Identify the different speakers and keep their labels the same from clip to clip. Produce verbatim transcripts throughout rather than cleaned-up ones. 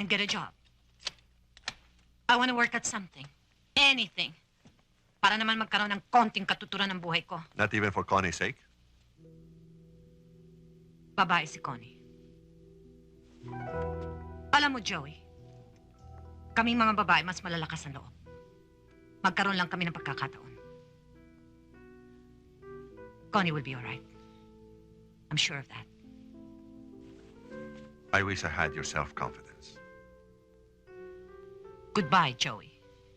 Speaker 1: and get a job. I want to work at something. Anything. Para naman magkaroon ng konting katuturan ng buhay ko.
Speaker 2: Not even for Connie's sake?
Speaker 1: Babae si Connie. Alam mo, Joey, kaming mga babae mas malalakas ang loob. Magkaroon lang kami ng pagkakataon. Connie will be all right. I'm sure of that.
Speaker 2: I wish I had your self-confidence.
Speaker 1: Goodbye, Joey.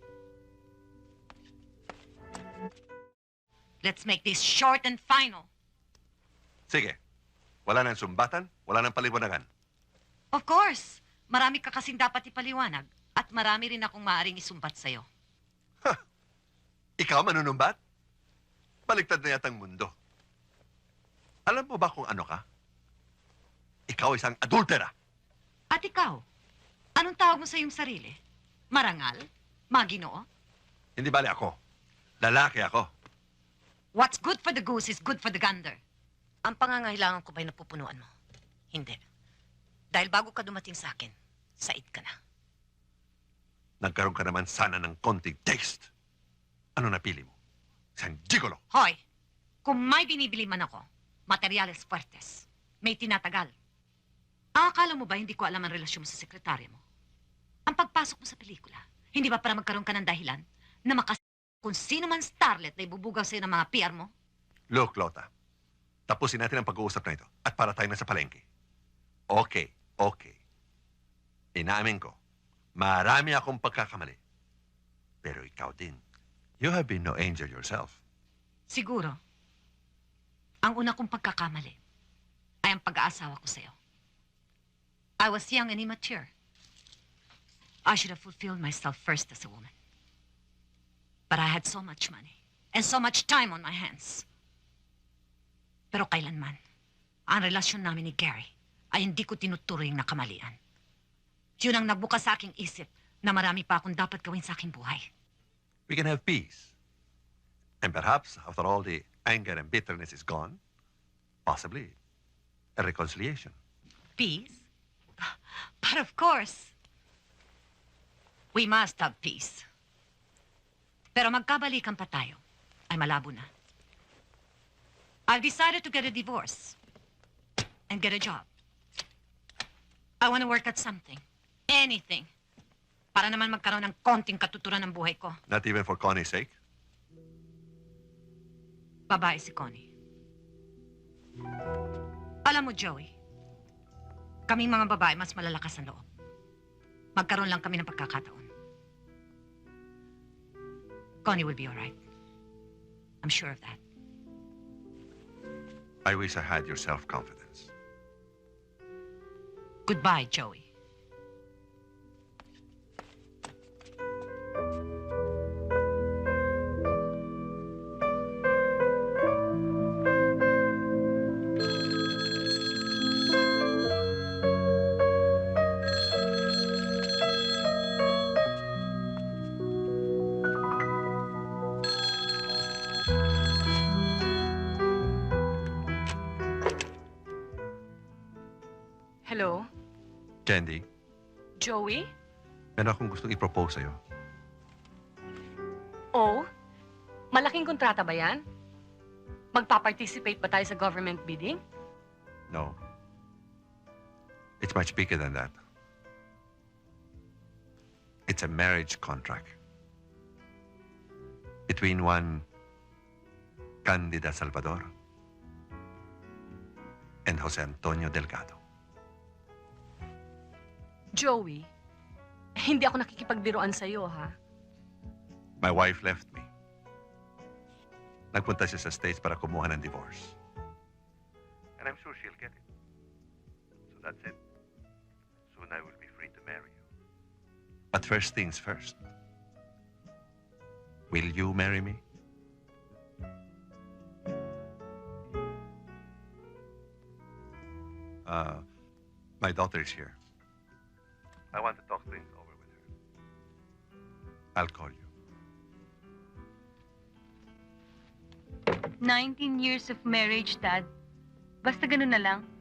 Speaker 1: Let's make this short and final.
Speaker 2: Sige. Wala nang sumbatan, wala nang paliwanagan.
Speaker 1: Of course. Marami ka kasing dapat ipaliwanag at marami rin akong maaaring isumbat sa'yo.
Speaker 2: Ha! Ikaw manunumbat? Baliktad na yatang mundo. Alam mo ba kung ano ka? Ikaw isang adultera.
Speaker 1: At ikaw, anong tawag mo sa iyong sarili? Marangal? Maginoo?
Speaker 2: Hindi bali ako. Lalaki ako.
Speaker 1: What's good for the goose is good for the gander. Ang pangangailangan ko ba'y napupunuan mo? Hindi. Dahil bago ka dumating sa akin, said ka na.
Speaker 2: Nagkaroon ka naman sana ng konting taste. Ano napili mo? Isang gigolo.
Speaker 1: Hoy, kung may binibili man ako, materyales fuertes, may tinatagal. Ang akala mo ba hindi ko alam ang relasyon mo sa sekretarya mo? Ang pagpasok mo sa pelikula, hindi ba para magkaroon ka ng dahilan na makas... kung sino man starlet na ibubugaw sa'yo ng mga P R mo?
Speaker 2: Look, Lota. Tapusin natin ang pag-uusap na ito at para tayo na sa palengke. Okay, okay. Inaamin ko, marami akong pagkakamali. Pero ikaw din, you have been no angel yourself.
Speaker 1: Siguro, ang una kong pagkakamali ay ang pag-aasawa ko sa'yo. I was young and immature. I should have fulfilled myself first as a woman. But I had so much money and so much time on my hands. Pero kailanman, ang relasyon namin ni Gary ay hindi ko tinuturing na kamalian. Yun ang nagbukas sa aking isip na marami pa akong dapat gawin sa aking buhay.
Speaker 2: We can have peace. And perhaps, after all the anger and bitterness is gone, possibly a reconciliation.
Speaker 1: Peace? But of course, we must have peace. Pero magkabalikan pa tayo, ay malabo na. I've decided to get a divorce and get a job. I want to work at something, anything, para naman magkaroon ng konting katuturan ng buhay ko.
Speaker 2: Not even for Connie's sake?
Speaker 1: Babae si Connie. Alam mo, Joey, kaming mga babae mas malalakas ang loob. Magkaroon lang kami ng pagkakataon. Connie will be all right. I'm sure of that.
Speaker 2: I wish I had your self-confidence.
Speaker 1: Goodbye, Joey.
Speaker 3: Hello?
Speaker 2: Candy,
Speaker 3: Joey?
Speaker 2: meron akong gustong i-propose sa'yo.
Speaker 3: Oh? Malaking kontrata ba yan? Magpa-participate ba tayo sa government bidding?
Speaker 2: No. It's much bigger than that. It's a marriage contract. Between one Candida Salvador and Jose Antonio Delgado.
Speaker 3: Joey, hindi ako nakikipagbiruan sa'yo, ha?
Speaker 2: My wife left me. Nagpunta siya sa States para kumuha ng divorce. And I'm sure she'll get it. So that's it. Soon I will be free to marry you. But first things first. Will you marry me? Uh, my daughter is here. I want to talk things over with her. I'll call you.
Speaker 4: nineteen years of marriage, Dad. Basta ganun na lang.